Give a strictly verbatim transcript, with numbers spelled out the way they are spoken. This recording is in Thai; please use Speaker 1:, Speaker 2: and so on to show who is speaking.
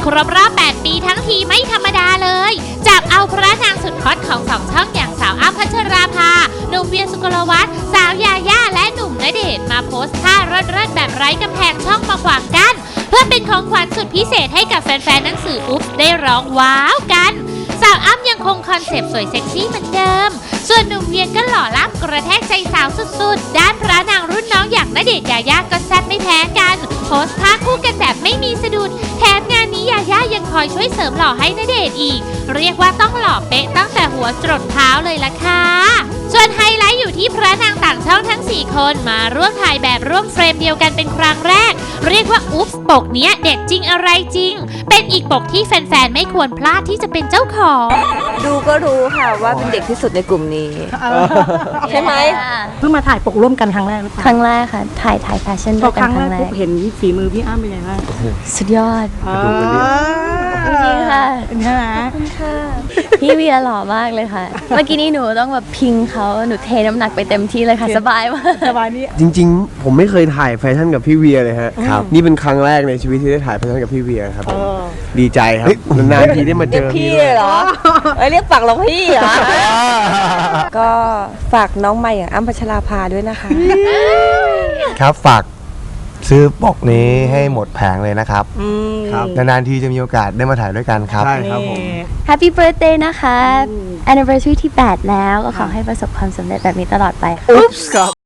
Speaker 1: รบรอบแปดปีทั้งทีไม่ธรรมดาเลยจับเอาพระนางสุดฮอตของสองช่องอย่างสาวอ้ำพัชราภาหนุ่มเวียสุกลวัฒน์สาวยาย่าและหนุ่มณเดชน์มาโพสต์ท่าเลิศๆแบบไร้กำแพงช่องมาขวางกันเพื่อเป็นของขวัญสุดพิเศษให้กับแฟนๆหนังสืออุ๊บได้ร้องว้าวกันสาวอ้ำยังคงคอนเซปต์สวยเซ็กซี่เหมือนเดิมส่วนหนุ่มเวียก็หล่อล้ำกระแทกใจสาวสุดๆด้านพระนางรุ่นน้องอย่างณเดชน์ยาย่าก็แซ่บไม่แพ้กันโพสต์ท่าคู่กันแบบไม่มีสะดุดแถมงานนี้ยาย่ายังคอยช่วยเสริมหล่อให้ณเดชน์อีกเรียกว่าต้องหล่อเป๊ะตั้งแต่หัวจรดเท้าเลยล่ะค่ะส่วนไฮไลท์อยู่ที่พระนางต่างช่องทั้งสี่คนมาร่วมถ่ายแบบร่วมเฟรมเดียวกันเป็นครั้งแรกเรียกว่าอุ๊บปกเนี้ยเด็ดจริงอะไรจริงเป็นอีกปกที่แฟนๆไม่ควรพลาดที่จะเป็นเจ้าของ
Speaker 2: ดูก็รู้ค่ะว่าเป็นเด็กที่สุดในกลุ่มนี้ใช่ไหม
Speaker 3: เพิ่งมาถ่ายปกร่วมกันครั้งแรกหรือเปล่า
Speaker 4: ครั้งแรกค่ะถ่ายถ่ายแฟชั่นด้วยกันครั้งแรก
Speaker 3: เห็นฝีมือพี่อ้ำเป็นไงบ้าง
Speaker 4: สุดยอดจริงๆค่ะ
Speaker 3: ใช่ไหม
Speaker 4: ค่ะพี่เวียหล่อมากเลยค่ะเมื่อกี้นี้หนูต้องแบบพิงเขาหนูเทน้ำหนักไปเต็มที่เลยค่ะสบายมาก
Speaker 3: สบายนี่
Speaker 5: จริงๆผมไม่เคยถ่ายแฟชั่นกับพี่เวียเลยฮะครับนี่เป็นครั้งแรกในชีวิตที่ได้ถ่ายแฟชั่นกับพี่เวียครับดีใจครับนานๆทีได้มาเจอ
Speaker 2: พี่เหรอเอ้ยเรียกปากเราพี่เหรอก็ฝากน้องใหม่อย่างอ้ำพัชราภาด้วยนะคะ
Speaker 6: ครับฝากซื้อปกนี้ให้หมดแผงเลยนะครับครับนานๆทีจะมีโอกาสได้มาถ่ายด้วยกันครับ
Speaker 5: ใช่ครับผม
Speaker 4: Happy Birthday นะคะ Anniversary ที่แปดแล้วก็ขอให้ประสบความสำเร็จแบบนี้ตลอดไป
Speaker 5: อุ๊บครับ